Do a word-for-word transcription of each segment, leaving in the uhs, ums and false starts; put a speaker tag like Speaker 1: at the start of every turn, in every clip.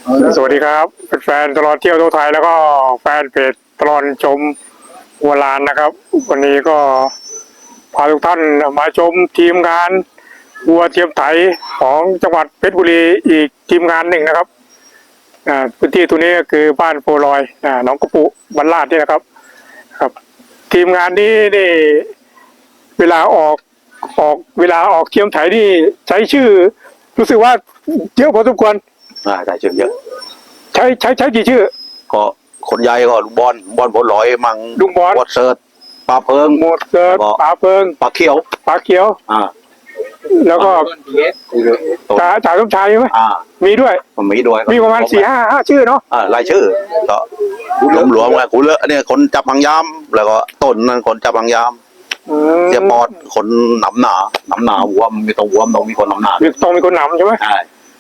Speaker 1: สวัสดีครับแฟนตลอดเที่ยวทั่วไทยแล้วก็แฟนเพจตลอดชมวัวลานนะครับวันนี้ก็พาทุกท่านมาชมทีมงานวัวเทียมไถของจังหวัดเพชรบุรีอีกทีมงานหนึ่งนะครับพื้นที่ตัวนี้ก็คือบ้านโพลอยหนองกระปุบรรลาดนี่นะครับครับ ทีมงานนี้นี่เวลาออกออกเวลาออกเทียมไถนี่ใช้ชื่อรู้สึกว่าเยอะพอสมควร
Speaker 2: อ่าใช่ชื่อเยอะ
Speaker 1: ใช้ใช้ใช้กี่ชื่อ
Speaker 2: ก็คนใหญ่ก็ลุงบอลบอลผลลอยมัง
Speaker 1: ลุงบอล
Speaker 2: หมดเสิร์ตปลาเพิง
Speaker 1: หมดเสิร์ตปลาเพิง
Speaker 2: ปลาเขียว
Speaker 1: ปลาเขียว
Speaker 2: อ่า
Speaker 1: แล้วก็จ่าจ่าสมชายใช่ไหม
Speaker 2: อ่า
Speaker 1: มีด้วย
Speaker 2: มีด้วย
Speaker 1: มีประมาณสี่ห้าห้าชื่อเนาะ
Speaker 2: อ่ารายชื่อก็หลวมหลวมเลยกูเลอะเนี่ยคนจับหางยามแล้วก็ต้นนั่นคนจับหางยามเสียปอดคนหนำหนาหนำหนาวัวมีต้องวัวต้องมีคนหนำหนา
Speaker 1: ต้องมีคนหนำใช่ไหม
Speaker 2: ใช่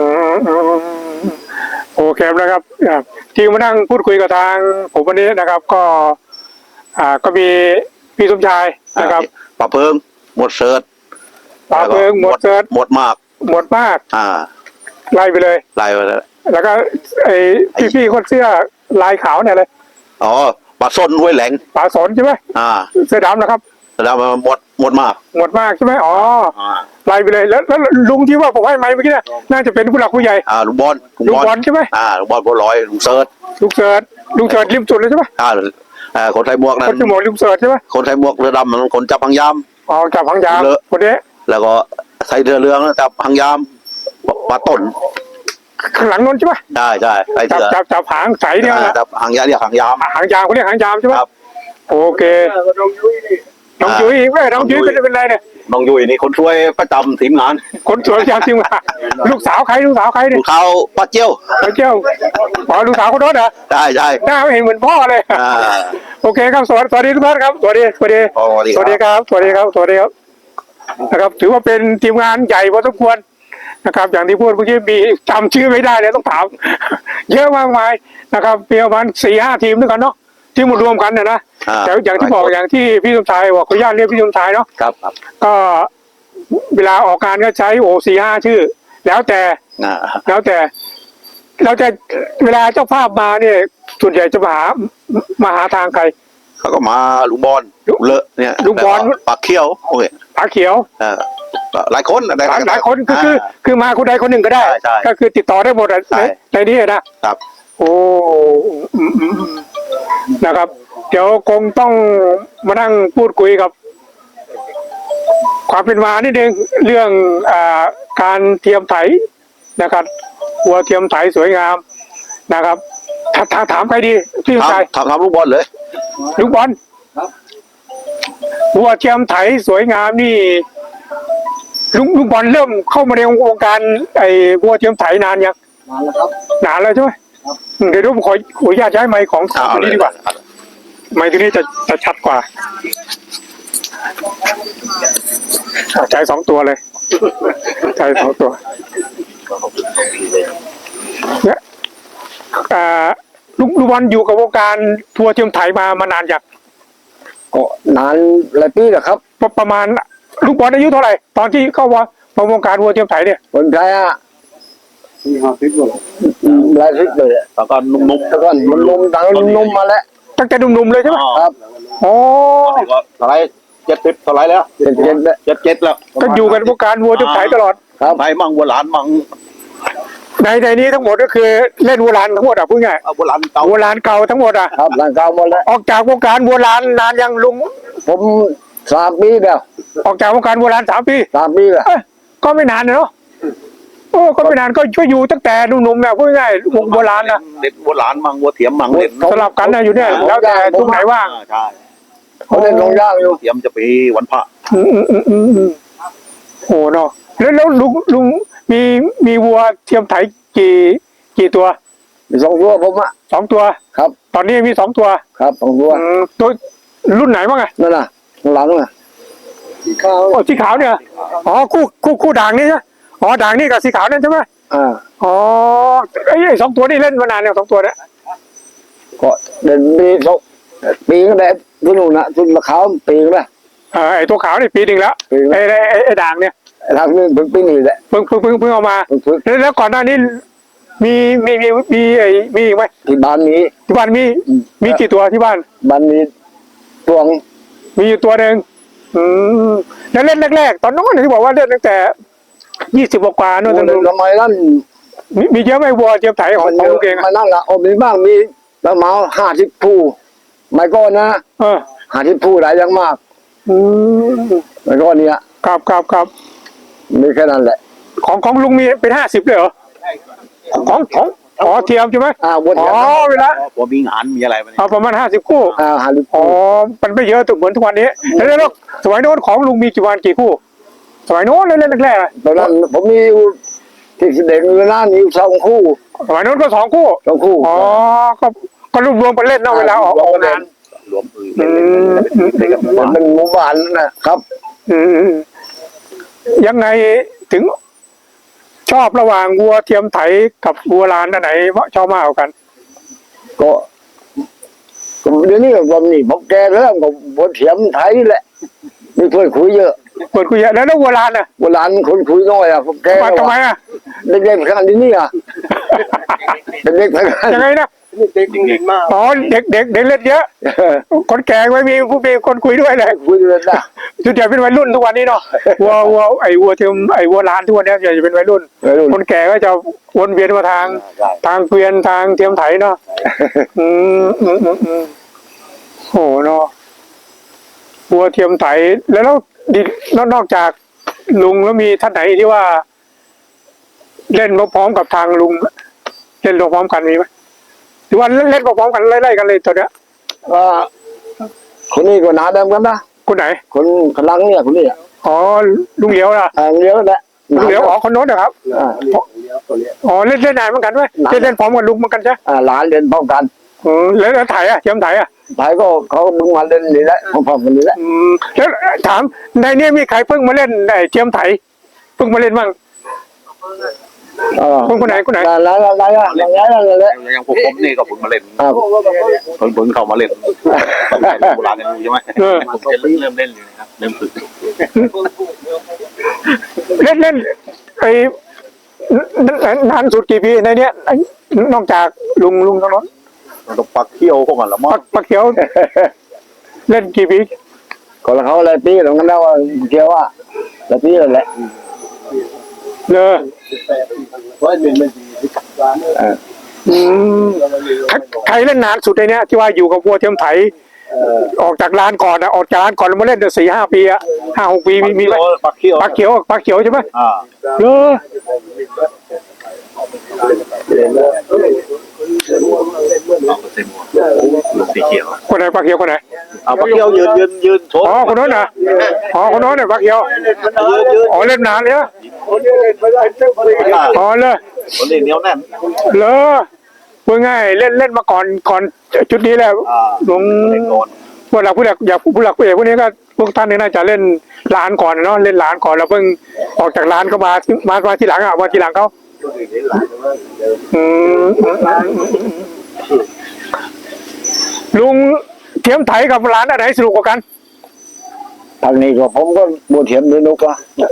Speaker 1: โอเคนะครับที่มานั่งพูดคุยกับทางผมวันนี้นะครับก็อ่าก็มีพี่สมชายนะครับ
Speaker 2: ปลาเพิงหมดเสิร์ต
Speaker 1: ปลาเพิงหมดเสิร์ต
Speaker 2: หมดมาก
Speaker 1: หมดมาก
Speaker 2: อ่า
Speaker 1: ไล่ไปเลย
Speaker 2: ไล่ไปเลย
Speaker 1: แล้วก็ไอ้พี่พี่คนเสื้อลายขาวเนี่ยเลย
Speaker 2: อ๋อปลาส้นห้วยแหลง
Speaker 1: ปลาสนใช่ไหม
Speaker 2: อ่า
Speaker 1: เสื้อดำนะครับ
Speaker 2: แล้วหมดหมดมาก
Speaker 1: หมดมากใช่ไหมอ๋อไล่ไปเลยแล้วแล้วลุงที่ว่าผมให้ไม้เมื่อกี้น่ะน่าจะเป็นผู้หลักผู้ใหญ่
Speaker 2: อ่าลุงบอล
Speaker 1: ลุงบอลใช่ไหม
Speaker 2: อ่าลุงบอลบัวลอยลุงเสิร์ต
Speaker 1: ลุงเสิร์ตลุงเสิร์ตริมสุดเลยใช่ไหม
Speaker 2: อ่าอ่าคนไทยหมวกนั้น
Speaker 1: คนที่หมวกลุงเสิร์ตใช่ไหม
Speaker 2: คนไทยหมวกเรือดำมันคนจับหางยาม
Speaker 1: อ๋อจับหางยามคนนี้
Speaker 2: แล้วก็ใส่เรือเรืองจับหางยามปลาต้น
Speaker 1: ข้างหลังนนใช่ไหม
Speaker 2: ใช่ใช่ใส่
Speaker 1: จับจับจับหางใสเนี่ย
Speaker 2: จับหางยามเรียกหางยาม
Speaker 1: หางยามเขาเรียกหางยามใช่ไหมโอเคน้องยุ้ยแม่น้องยุ้ยเป็นเป็นไรเนี่ย
Speaker 2: น้องยุ้ยนี่คนช่วยประจำทีมงาน
Speaker 1: คนช่วยประจำทีมงานลูกสาวใครลูกสาวใครเนี่ย
Speaker 2: ลูกเขาป้าเจียว
Speaker 1: ป้าเจียวอ๋อลูกสาวคนโน้นเหรอ
Speaker 2: ใช่ใช่
Speaker 1: หน้าไม่เห็นเหมือนพ่อเลยโอเคครับสวัสดีสวัสดีทุกท่านครับสวัสดีสวัสดีสวัสดีครับสวัสดีครับสวัสดีครับนะครับถือว่าเป็นทีมงานใหญ่พอสมควรนะครับอย่างที่พูดเมื่อกี้มีจำชื่อไม่ได้เลยต้องถามเยอะมากมายนะครับเพียงประมาณสี่ห้าทีมด้วยกันเนาะที่มารวมกันเนี่ยนะแต่อย่างที่บอกอย่างที่พี่สมชายบอกขออนุญาตเรียกพี่สมชายเนาะ
Speaker 2: ครับ
Speaker 1: ก็เวลาออกงานก็ใช้โอสี่ห้าชื่อแล้วแต่แล้วแต่เราจะเวลาเจ้าภาพมาเนี่ยส่วนใหญ่จะมาหามาหาทางใคร
Speaker 2: เขาก็มาลุงบอลเลอะเนี่ย
Speaker 1: ลุงบอล
Speaker 2: ปากเขียวโอ้ย
Speaker 1: ปากเขียว
Speaker 2: หลายคน
Speaker 1: หลายหลายคนคือคือคือมาคนใดคนหนึ่งก็ได้ก็คือติดต่อได้หมดในในนี้นะครับโอ้นะครับเดี๋ยวคงต้องมานั่งพูดคุยกับความเป็นมานิดนึงเรื่องอ่าการเทียมไถนะครับวัวเทียมไถสวยงามนะครับถามถามใครดีพี่ชาย
Speaker 2: ถามถามลูกบอลเลย
Speaker 1: ลูกบอลวัวเทียมไถสวยงามนี่ลุงลุงบอลเริ่มเข้ามาในวงการไอ้วัวเทียมไถนานยัง
Speaker 3: นานแล้วครับ
Speaker 1: นานแล้วใช่ไหมเดี๋ยวผมขอขออนุญาตย้ายไมค์ของตัวนี้ดีกว่าไมค์ตัวนี้จะจะชัดกว่าใช้สองตัวเลยใช้สองตัวเนี่ยลุงลุงบอลอยู่กับวงการทัวร์เทียมไถมามานานยัง
Speaker 3: ก็นานหลายปีแล้วครับ
Speaker 1: ประมาณลูกบอลอายุเท่าไหร่ตอนที่เข้าวาวงการวัวเทียมไถเนี่ย
Speaker 3: คนไทยอ่ะมีห้าสิบเลยหลายสิบเลย
Speaker 2: แล้วก็นุ่มๆ
Speaker 3: แล้วก็นุ่มๆตั้งนุ่มๆมาแล้ว
Speaker 1: ตั้งแต่นุ่มๆเลยใช่ไหม
Speaker 3: ครับ
Speaker 1: โอ้
Speaker 2: เท่าไรเจ็ดสิบเท่าไรแล้ว
Speaker 3: เจ็ดเจ็ด
Speaker 2: เจ็ดเจ็ดแล้ว
Speaker 1: ก็อยู่กันวงการวัวเทียมไถตลอด
Speaker 2: ครับไทยมั่งวัวหลานมั่ง
Speaker 1: ในในนี้ทั้งหมดก็คือเล่นวัวลานทั้งหมดอ่ะพูดง่าย
Speaker 2: วัวลานเก่า
Speaker 1: วัวลานเก่าทั้งหมดอ่ะ
Speaker 3: ครับลานเก่าหมดแล้ว
Speaker 1: ออกจากวงการวัวลานนานยังลุง
Speaker 3: ผมสามปีแล้ว
Speaker 1: ออกจากวงการวัวลานสามปี
Speaker 3: สามปีแล้ว
Speaker 1: ก็ไม่นานเนาะโอ้ก็ไม่นานก็ช่วยอยู่ตั้งแต่หนุ่มๆเนี่ยพูดง่ายวงวัวลานนะ
Speaker 2: เด็ดวัวลานมั่งวัวเถียมมั่งเด็ด
Speaker 1: สลับกันนะอยู่เนี่ยแล้วแต่ตรงไหนว่าง
Speaker 2: ใช่
Speaker 3: เขาเล่นลงย่างอยู่
Speaker 2: เถียมจะไปวันพระ
Speaker 1: อืมอืมอืมอืมโอ้เนาะแล้วแล้วลุงลุงมีมีวัวเทียมไถกี่กี่ตัว
Speaker 3: มีสองตัวผมอ่ะ
Speaker 1: สองตัว
Speaker 3: ครับ
Speaker 1: ตอนนี้มีสองตัว
Speaker 3: ครับสองตัว
Speaker 1: ตัวรุ่นไหนบ้างไง
Speaker 3: นั่นน่ะหลังน่ะ
Speaker 1: สีขาวโอ้สีขาวเนี่ยอ๋อคู่คู่คู่ด่างนี่ใช่อ๋อด่างนี่กับสีขาวนั่นใช่ไหม
Speaker 3: อ่า
Speaker 1: อ๋อไอ้สองตัวนี่เล่นมานานเนี่ยสองตัวเนี่ย
Speaker 3: ก็เดินปีสองปีก็ได้ทุนหนุนนะทุนมะขาวปีก็ได้
Speaker 1: เออไอ้ตัวขาวนี่ปีหนึ่งแล้วไอ้ไอ้ไอ้ด่างเนี่ย
Speaker 3: ทางนี้เพิ่งปีนี้แหละ
Speaker 1: เพิ่งเพิ่งเพิ่งเพิ่งเอามาแล้วก่อนหน้านี้มีมีมีมีไอ้มีอีกไหม
Speaker 3: ที่บ้านมี
Speaker 1: ที่บ้านมีมีกี่ตัวที่บ้าน
Speaker 3: บ้านมีตวง
Speaker 1: มีอยู่ตัวหนึ่งอืมแล้วเล่นแรกๆตอนโน้นที่บอกว่าเล่นตั้งแต่ยี่สิบกว่าๆนู่น
Speaker 3: โอ้
Speaker 1: ตอน
Speaker 3: ย
Speaker 1: นู้น
Speaker 3: ทำไมนั่น
Speaker 1: มีมีเยอะไหมวัวเทียมไถของของลุงเอง
Speaker 3: มา
Speaker 1: อะ
Speaker 3: นั่นละโอ้มีบ้างมีประมาณห้าสิบผู้ไม่ก็นะ
Speaker 1: เออ
Speaker 3: ห้าสิบผู้ได้ยังมาก
Speaker 1: อืม
Speaker 3: ไม่ก็เนี้ย
Speaker 1: ครับครับครับ
Speaker 3: มีแค่นั้นแหละ
Speaker 1: ของของลุงมีเป็นห้าสิบเลยเหรอของของอ๋อเทียมใช่ไหม
Speaker 3: อ่าวน
Speaker 1: อ๋
Speaker 3: กั
Speaker 1: อน เวลา
Speaker 2: พอมีงานมีอะไรมาเนี่ย
Speaker 1: เอาประมาณห้าสิบคู่
Speaker 3: อ่าห้าสิบ
Speaker 1: อ๋อ
Speaker 3: ผู้
Speaker 1: มันไม่เยอะเหมือนทุกวันนี้แล้วแล้วสมัยโน้นของลุงมีกี่วันกี่คู่ สมัยโน้นเล่นแรกๆอะ
Speaker 3: ตอนนั้นผมมีอยู่ที่เด็กเวลามีอยู่สองคู่
Speaker 1: สมัยโน้นก็สองคู่
Speaker 3: สองคู่
Speaker 1: อ๋อ ก็ก็รวมรวมๆไปเล่นเนาะเวลาออกออกงาน
Speaker 2: รวมอื่น
Speaker 1: อืมอืมอืม
Speaker 3: มันเป็นหมู่บ้านนะครับ
Speaker 1: อืมอืมยังไงถึง ชอบระหว่างวัวเทียมไถกับวัวลานอันไหนชอบมากกว่ากัน
Speaker 3: ก็ก็เดี๋ยวนี้ก็ผมนี่ผมแก่แล้วก็บนเถียมไทยแหละมีเพื่อนคุยเยอะ
Speaker 1: เปิดคุยเยอะแล้วแล้ววัวลานอ่ะ
Speaker 3: โบราณคนคุยน้อยอ่ะผมแก่
Speaker 1: มา
Speaker 3: แล้ว
Speaker 1: ทำไม
Speaker 3: อะ
Speaker 1: อ่ะ
Speaker 3: เด็กๆขนาดนี้อ่ะเด็กๆขนาด
Speaker 1: ยังไงนะ
Speaker 3: เด็กจริงๆมาก
Speaker 1: อ๋อเด็กเด็กเด็กเล่นเยอะ คนแก่ไม่มีผู้มีคนคุยด้วยเลย
Speaker 3: คุยเลยนะ
Speaker 1: จุดใหญ่เป็นวัยรุ่นทุกวันนี้เนาะวัววัวไอ้วัวเทียมไอ้วัวลานทุกวันนี้จะเป็นวัยรุ่น
Speaker 3: วัยรุ่น
Speaker 1: คนแก่ก็จะวนเวียนมาทาง ทางเกวียนทางเทียมไถเนาะอืมอืมอืมอืมโหเนาะวัวเทียมไถแล้วแล้วดินอกนอกจากลุงแล้วมีท่านไหนที่ว่า เล่นพร้อมๆกับทางลุงเล่นพร้อมๆกันมีไหมหรือว่าเล่นเล่นพร้อมๆกันไล่ๆกันเลยตัวเนี้ย
Speaker 3: ว่าคนนี้ก็หนาเดิมกันนะ
Speaker 1: คนไหน
Speaker 3: คนกำลังเนี่ยคนนี้อ่ะ
Speaker 1: อ๋อลุงเหลียวนะ
Speaker 3: อ่าเลี้ยวแหละ
Speaker 1: ลุงเหลียวอ๋อคนโน้นนะครับ
Speaker 3: อ่า
Speaker 1: อ๋อเล่นเล่นนานเหมือนกันไหมเล่นเล่นพร้อมกับลุงเหมือนกันใช่
Speaker 3: อ่าหลานเรียนพร้อมกัน
Speaker 1: อืมแล้วแล้วไถอ่ะเทียมไถอ่ะ
Speaker 3: ไทยก็เขามึงมาเล่นนี่แหละพร้อมๆกันนี่แหละ
Speaker 1: อืมแล้วถามในเนี้มีใครเพิ่งมาเล่นไอ้เทียมไถเพิ่งมาเล่นบ้าง
Speaker 3: เออ
Speaker 1: คนคนไหนคนไหน
Speaker 3: อะไรอะไรอะไรอะไรอะไรแหละ
Speaker 2: อย่างพวกผมนี่ก็เพิ่งมาเล่น
Speaker 3: อ่า
Speaker 2: เพิ่งเพิ่งเข้ามาเล่นตั้งแต่โบราณกันอยู่ใช่ไหม
Speaker 1: เออ
Speaker 2: ผมจะเริ่มเล่นอยู่นะครับเริ่มฝึก
Speaker 1: เล่นเล่นไอ้นนนานสุดกี่ปีในเนี้ยไอ้นอกจากลุงลุงตรงนั้น
Speaker 2: มันต้องปักเขี้ยวพวกมันละมั้
Speaker 1: ปั
Speaker 2: ง
Speaker 1: กปักเขียว เล่นกี่ปี
Speaker 3: ก็แล้วเขาอะไรปีตรงนั้นแล้วเกี่ยวว่าแล้วปีนั่นแหละ
Speaker 1: เลอ
Speaker 3: เออ
Speaker 1: อืมใครใครเล่นนานสุดในเนี้ยที่ว่าอยู่กับวัวเทียมไถออกจากร้านก่อนอะออกจากร้านก่อนแล้วมาเล่นเดี๋ยวสี่ห้าปีอะห้าหกปีมีมีไหม
Speaker 2: ปักเขี้ยว
Speaker 1: ปักเขียวปักเขียวใช่ไหม
Speaker 2: อ่า
Speaker 1: เลอ
Speaker 2: เอาเต็มหัวลูกสีเขียว
Speaker 1: คนไหนปักเขียวคนไหน
Speaker 2: เอาปักเขี้ยวยืนยืนยืนโชว์
Speaker 1: อ๋อคนโน้นนะอ๋อคนโน้นเนี่ยปักเขียว
Speaker 2: ยืนยืน
Speaker 1: อ๋อเล่นนานเลยนะอ๋อเลย
Speaker 2: คนนี้เหนียวแน่น
Speaker 1: เลอพูดง่ายเล่นเล่นมาก่อนก่อนจุดนี้แล้ว
Speaker 2: อ่า
Speaker 1: ลง
Speaker 2: เล่นโดน
Speaker 1: พวกเราผู้หลักอยากผู้หลักผู้ใหญ่พวกนี้ก็พวกท่านนี่น่าจะเล่นร้านก่อนเนาะเล่นร้านก่อนแล้วเพิ่งออกจากร้านก็มามามาทีหลังอ่ะมาทีหลังเขาอืมอืมอืมอืมลุงเทียมไถกับร้านอันไหนสนุกกว่ากัน
Speaker 3: ทางนี้ก็ผมก็บวชเถียมด้วยนุกว่า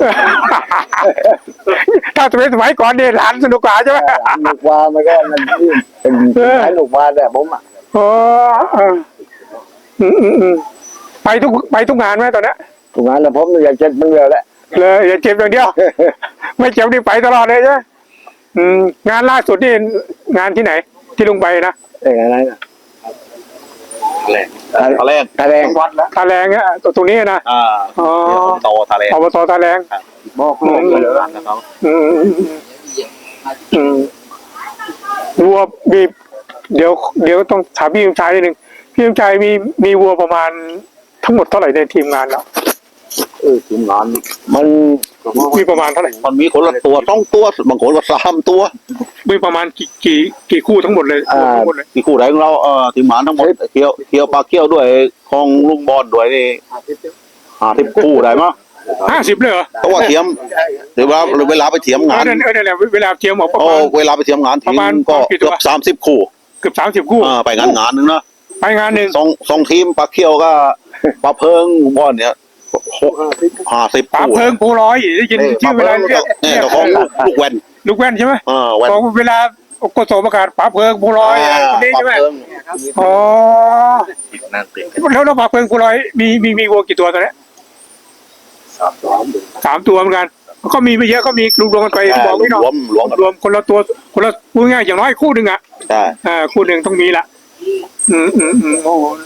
Speaker 1: ถ้าเป็นสมัยก่อนนี่ร้านสนุกกว่าใช่ไหม
Speaker 3: นุกว่ามันก็มันเป็นไอ้นุกว่าแต่ผมอ่ะ
Speaker 1: โอ้เอออืมอืมอืมไปทุกไปทุกงานไหมตอนนี้
Speaker 3: ถูกงานแล้วผมอยากเจ็ดมันเดียวแหละ
Speaker 1: เลยอย่าเจ็บอย่างเดียว ไม่เจ็บนี่ไปตลอดเลยใช่ไหมอืมงานล่าสุดนี่งานที่ไหน ที่ลุงไปนะ
Speaker 3: เอ้ยอะไรนะ
Speaker 2: ทะเลทะเล
Speaker 3: ทะเล
Speaker 2: วัดแล้ว
Speaker 1: ตาแรงเนี่ยตรงนี้นะ
Speaker 2: อ่า
Speaker 1: อ๋อ
Speaker 2: โตทะเล
Speaker 1: อบตตาแรง
Speaker 2: บอกลูกเลยนะครับ
Speaker 1: อืมอืมอืมวัวมีเดี๋ยว เดี๋ยวต้องถามพี่ยมชายนิดนึงพี่ยมชายมีมีวัวประมาณทั้งหมดเท่าไหร่ในทีมงานเรา
Speaker 2: เออทีมงาน
Speaker 3: มัน
Speaker 1: มีประมาณเท่าไหร่
Speaker 2: มันมีคนละตัวต้องตัวบางคนก็สามตัว
Speaker 1: มีประมาณกี่กี่กี่คู่ทั้งหมดเลยทั้งหมดเลย
Speaker 2: ที่คู่ไหนของเราเออทีมงานทั้งหมดเคียวเคียวปลาเคียวด้วยของลุงบอลด้วยนี่หาที่คู่ได้มั้ย
Speaker 1: ห้าสิบเลยเหรอ
Speaker 2: เพราะว่าเทียมหรือว่าเวลาไปเทียมาน
Speaker 1: เอองนั่นเออนั่นแหละเวลาเทียมออกประ
Speaker 2: โอ้
Speaker 1: มาณ
Speaker 2: เวลาไปเทียมงานที
Speaker 1: ประมาณ
Speaker 2: ก็
Speaker 1: กี่ตัว
Speaker 2: เกือบสามสิบคู่
Speaker 1: เกือบสามสิบคู่
Speaker 2: อ่าไปงานงานนึงนะ
Speaker 1: ไปงานหนึ่ง
Speaker 2: สองสองทีมปลาเคียวก็ปลาเพิงลุงบอลเนี่ยหกห้าสิบ
Speaker 1: ปา
Speaker 2: คู่
Speaker 1: เพิงปูร้อยได้ยินชื่อเวลาเรียก
Speaker 2: เนี่ยเจ้าของลูกลูกแวน
Speaker 1: ลูกแว่นใช่ไหม
Speaker 2: อ่าแวน
Speaker 1: บอกเวลาก็โสมอากาศป๋าเพิงภูลอยคนนี้ใช่ไหม
Speaker 2: ปรับเพิ่ม
Speaker 1: อ๋อ
Speaker 2: นั่นเอง
Speaker 1: แล้วแล้วป๋าเพิงภูลอยมีมีมีวัวกี่ตัวตอนนี้
Speaker 2: สามสาม
Speaker 1: สามตัวเหมือนกันก็มีไม่เยอะก็มีรวมๆกันไปบอกพี่น้อง
Speaker 2: รวมรวม
Speaker 1: รวมคนละตัวคนละพูดง่ายอย่างน้อยคู่หนึ่งอ่ะ
Speaker 2: ใช่
Speaker 1: อ่าคู่หนึ่งต้องมีละอืมอืมอืมโอ้โห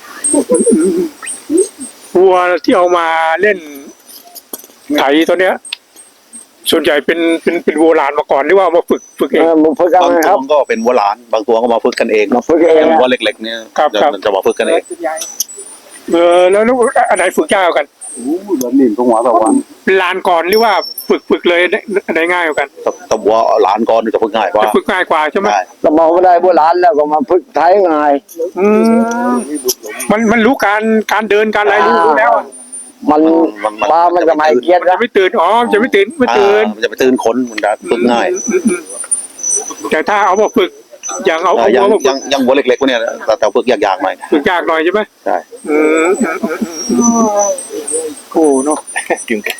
Speaker 1: วัวที่เอามาเล่นไถตัวเนี้ย ส่วนใหญ่เป็นเป็นเป็นวัวลานมาก่อนหรือว่าเอามาฝึกฝึกเอ
Speaker 3: เอง อมึงฝึกกัน
Speaker 2: บาง
Speaker 3: นะค
Speaker 2: ตั
Speaker 3: รั
Speaker 2: ว
Speaker 3: บ
Speaker 2: ก็เป็นวัวหลาน บางตัวก็มาฝึกกันเอง
Speaker 3: มาฝึกเอง
Speaker 2: อย่าง
Speaker 3: นะ
Speaker 2: วัวเล็กๆเนี่ย
Speaker 1: ครับครับ
Speaker 2: มันจะมาฝึกกันเอง
Speaker 1: เออแล้วแล้วอันไหนฝึกยากกว่ากัน
Speaker 3: แบบนี้ตรงหัวตะวัน
Speaker 1: ลานก่อนหรือว่าฝึกฝึกเลยได้ได้ง่ายกว่ากัน
Speaker 2: แต่แต่วัวหลานก่อนนี่จะฝึกง่ายกว่า
Speaker 1: จะฝึกง่ายกว่าใช่ไหม
Speaker 2: ใช่
Speaker 3: ก็มองไม่ได้โบราณแล้วก็มาฝึกไทยง่าย
Speaker 1: อืมมันมันรู้การการเดินการอะไรรู้รู้แล้วอะ
Speaker 3: มันปลามันจะไม่เกียด
Speaker 1: มันจะ
Speaker 3: นะ
Speaker 1: ไม่ตื่นอ๋อมันจะไม่ตื่นไม่
Speaker 2: อ่า
Speaker 1: ตื่น
Speaker 2: มันจะไปตื่นคนมันจะฝึกง่าย
Speaker 1: อืมอืมแต่ถ้าเอามาฝึก อย่างเอา
Speaker 2: อ่า
Speaker 1: เอา
Speaker 2: ยัง
Speaker 1: เอามาฝึ
Speaker 2: ยั
Speaker 1: ก
Speaker 2: งยังวัวเล็กๆพวกเนี้ยแต่แต่ฝึกยากๆหน่อย
Speaker 1: ฝึกยากหน่อยใช่ไหม
Speaker 2: ใช่
Speaker 1: อืมอืมอืมอืมโอ้เนาะ
Speaker 2: กิน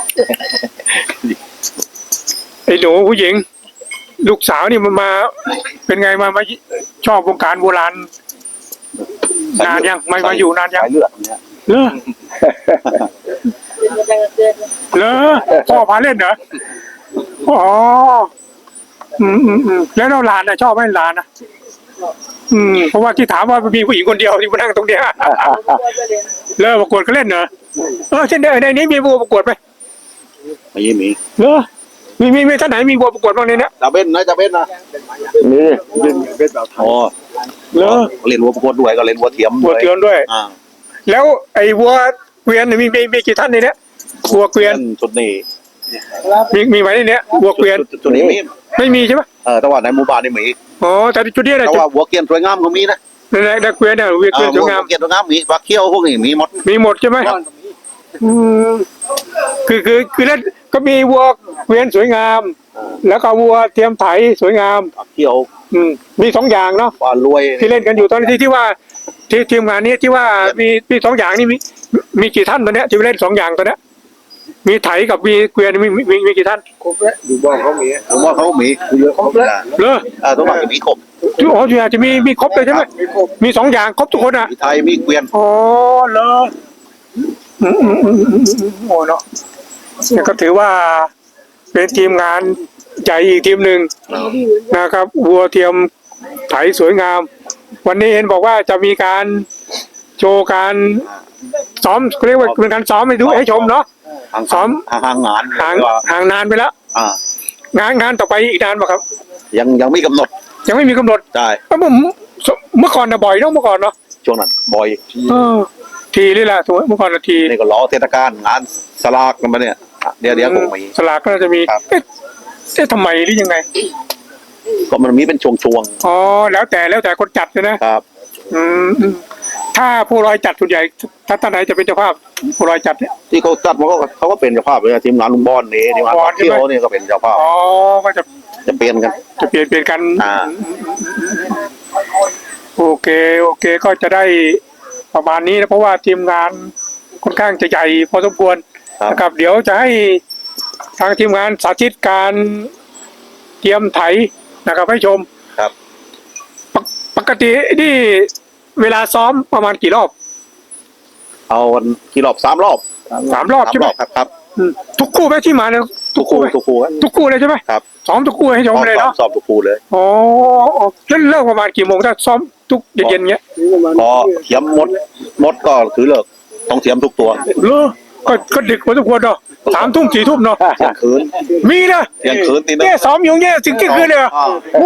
Speaker 1: ไอ้หนูผู้หญิง ลูกสาวนี่มันมา เป็นไงมามาชอบวงการโบราณนานยังมามาอยู่นานยัง
Speaker 2: สายเลือดเนี่ย
Speaker 1: เลอเลอพ่อพาเล่นเหรออ๋ออืมอืมอืมแล้วเราหลานนะชอบไหมหลานนะอืมเพราะว่าที่ถามว่ามีผู้หญิงคนเดียวที่มานั่งตรงเนี้ยเลอประกวดก็เล่นเหรอเออเช่นเดียวในนี้มีวัวประกวดไหม
Speaker 2: ไม่มี
Speaker 1: เลอมีมีมีท่านไหนมีวัวประกวดบ้างในเนี้ย
Speaker 2: จะเบ้นนะจะเบ้นนะ
Speaker 3: นี่
Speaker 2: อ๋อ
Speaker 1: เลอ
Speaker 2: เล่นวัวประกวดด้วยก็เล่นวัวเทียม
Speaker 1: วัวเตือนด้วย
Speaker 2: อ่า
Speaker 1: แล้วไอ้วัวเกวียนเนี่ยมีมีมีกี่ท่านในเนี้ยวัวเกวียน
Speaker 2: ชุดนี้
Speaker 1: มีมีไหมในเนี้ยวัวเกวียน
Speaker 2: ชุดนี้มี
Speaker 1: ไม่มีใช่ไหม
Speaker 2: เออแต่ว่าในหมู่บ้านนี่มี
Speaker 1: อ๋อแต่จุดเนี้ยนะ
Speaker 2: แต่
Speaker 1: จุด
Speaker 2: ว่าวัวเกียนสวยงามก็มีนะ
Speaker 1: ในในในเกวียนเนี่ยวัว
Speaker 2: เอ
Speaker 1: เกวีย
Speaker 2: อน
Speaker 1: ส
Speaker 2: วั
Speaker 1: วยว งาม
Speaker 2: เกียนสวยงามมีปลาเขี้ยวพวกนี้มีหมด
Speaker 1: มีหมดใช่ไหมอืมคือคือคือแล้วก็มีวัวเกวียนสวยงาม แล้วก็วัวเทียมไถสวยงาม
Speaker 2: ปลาเขี้ยว
Speaker 1: อืมมีสองอย่างเนาะ
Speaker 2: ปลารวย
Speaker 1: ที่เล่นกันอยู่ตอนที่ที่ว่า ที่ทีมงานนี้ที่ว่ามีมีสองอย่างนี่มีมีกี่ท่านตอนเนี้ยที่เล่นสองอย่างตอนเนี้ยมีไถกับมีเกวียนมีมีมีมีกี่ท่าน
Speaker 3: อยู่บ้านเขามี
Speaker 2: ผมว่าเขามี
Speaker 3: ครบแล้ว
Speaker 1: เลอ
Speaker 2: เออทุกวันจะมีครบ
Speaker 1: จุอ๋อจุฬาจะมีมีครบเลยใช่ไหมมีสองอย่างครบทุกคนอ่ะ
Speaker 2: มีไทยมีเกวียน
Speaker 1: อ๋อเลออืมอืมอืมอืมอืมโอ้เนาะเนี่ยก็ถือว่าเป็นทีมงานใหญ่อีกทีมหนึ่งนะครับวัวเทียมไถสวยงาม วันนี้เห็นบอกว่าจะมีการโชว์การซ้อมเรียกว่าเป็นการซ้อมให้ดูให้ชมเนาะ
Speaker 2: ทาง
Speaker 1: ซ้อม
Speaker 2: ทางทางงาน
Speaker 1: ห่าง
Speaker 2: ว่า
Speaker 1: ห่างนานไปแล้ว
Speaker 2: อ่าง
Speaker 1: านงานต่อไปอีกนานป่ะครับ
Speaker 2: ยังยังไม่กำหนด
Speaker 1: ยังไม่มีกำหนด
Speaker 2: ใช่
Speaker 1: เอ้าผมเมื่อก่อนนะบ่อยเนาะเมื่อก่อนเนาะ
Speaker 2: ช่วงนั้นบ่อย
Speaker 1: เออทีนี่แหละถูกไหมเมื่อก่อนนะที
Speaker 2: นี่ก็ล้อเทศกาลงานสลากกันมาเนี่ยเดี๋ยวเดี๋ยวคงมี
Speaker 1: สลากก็น่าจะมี
Speaker 2: ครับ
Speaker 1: เอ๊ะเอ๊ะทำไมหรือยังไง
Speaker 2: ก็มันมีเป็นช่วง
Speaker 1: อ๋อแล้วแต่แล้วแต่คนจัดเลยนะ
Speaker 2: ๆครับ
Speaker 1: อืมอืมถ้าผู้ลอยจัดส่วนใหญ่ถ้าท่านไหนจะเป็นเจ้าภาพผู้ลอยจัดเนี่ย
Speaker 2: ที่เขาจัดมันก็เขาก็เป็นเจ้าภาพเลยนะทีมงานลุงบอลนี่ทีมงาน
Speaker 1: บอ
Speaker 2: ปา
Speaker 1: ลใช่
Speaker 2: เที่ย
Speaker 1: ไหม
Speaker 2: วนี่ก็เป็นเจ้าภาพ
Speaker 1: อ๋อก็จะ
Speaker 2: จะเปลี่ยนกัน
Speaker 1: จะเปลี่ยนเปลี่ยนกัน
Speaker 2: อ่า
Speaker 1: โอเคโอเคก็จะได้ประมาณนี้นะเพราะว่าทีมงานค่อนข้างจะใหญ่พอสมควร
Speaker 2: ครับ
Speaker 1: นะครับ เดี๋ยวจะให้ทางทีมงานสาธิตการเตรียมไถนะครับให้ชม
Speaker 2: ครับ
Speaker 1: ปกปกตินี่เวลาซ้อมประมาณกี่รอบ
Speaker 2: เอาวันกี่รอบสามรอบ
Speaker 1: สามรอบ
Speaker 2: สาม
Speaker 1: ใช่ไห
Speaker 2: ร
Speaker 1: ม
Speaker 2: อบครับครับ
Speaker 1: อืมทุกคู่ไหมที่มาเนี่ยทุ
Speaker 2: ทุ
Speaker 1: ก
Speaker 2: ก
Speaker 1: คู่
Speaker 2: คู่
Speaker 1: ไหม
Speaker 2: ทุกคู่ครับ
Speaker 1: ทุกคู่เลยใช่ไหม
Speaker 2: ครับ
Speaker 1: ซ้อมทุกคู่ให้ชมเลย
Speaker 2: สอบ
Speaker 1: เนาะ
Speaker 2: สอบทุกคู่เลย
Speaker 1: อ๋ออ๋อแล้วเลิกประมาณกี่โมงถ้าซ้อมทุกเย็นๆเงี้ย
Speaker 2: พอเทียมมดมดก็คือเลิกต้องเทียมทุกตัว
Speaker 1: เลอก็ก็ดึกพอสมควรเนาะสามทุ่มสี่ทุ่มเนาะ
Speaker 2: เที่ยงคืน
Speaker 1: มีนะ
Speaker 2: เที่ยงคืนตีหนึง
Speaker 1: เนี่ยซ้อมอยู่เนี่ยถึงเที่ยงคืนเลยเหรอ
Speaker 2: อ่า
Speaker 1: โอ้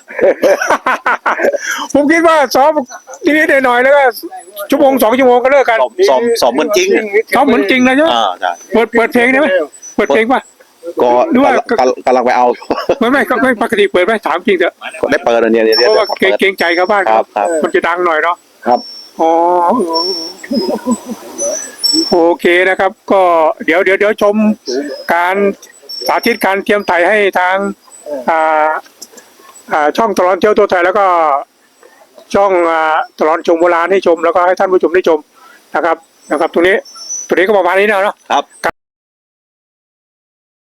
Speaker 1: ผมคิดว่าซ้อมทีนี้หน่อยๆแล้วก็ชั่วโมงสองชั่วโมงก็เลิกกัน
Speaker 2: สอบสอบสอบเหมือนจริง
Speaker 1: ซ้อมเหมือนจริงเลยใช่ไหม
Speaker 2: อ่าใช่
Speaker 1: เปิดเปิดเพลงได้ไหมเปิดเพลงป่ะ
Speaker 2: ก็
Speaker 1: หรือว่า
Speaker 2: กำลังกำลังไปเอา
Speaker 1: ไม่ไม่ก็ไม่ปกติเปิดไหมถามจริงเถอะ
Speaker 2: ก็ได้เปิดอันเนี้ยเดี๋ยว
Speaker 1: เพ
Speaker 2: เดี๋ยว
Speaker 1: ราะว่า
Speaker 2: เดี๋ยว
Speaker 1: เกรงเกรงใจกับบ้าน
Speaker 2: ครับครับ
Speaker 1: มันจะดังหน่อยเนาะ
Speaker 3: ครับ
Speaker 1: อ๋อโอเคนะครับ ก็เดี๋ยวเดี๋ยวเดี๋ยวชมการสาธิตการเตรียมไถให้ทางอ่าอ่าช่องตลอดเที่ยวตัวไทยแล้วก็ช่องอ่าตลอดชมโบราณให้ชม แล้วก็ให้ท่านผู้ชมได้ชมนะครับ นะครับ ตรงนี้ตรงนี้ก็ประมาณนี้นะเนาะ
Speaker 2: ครับ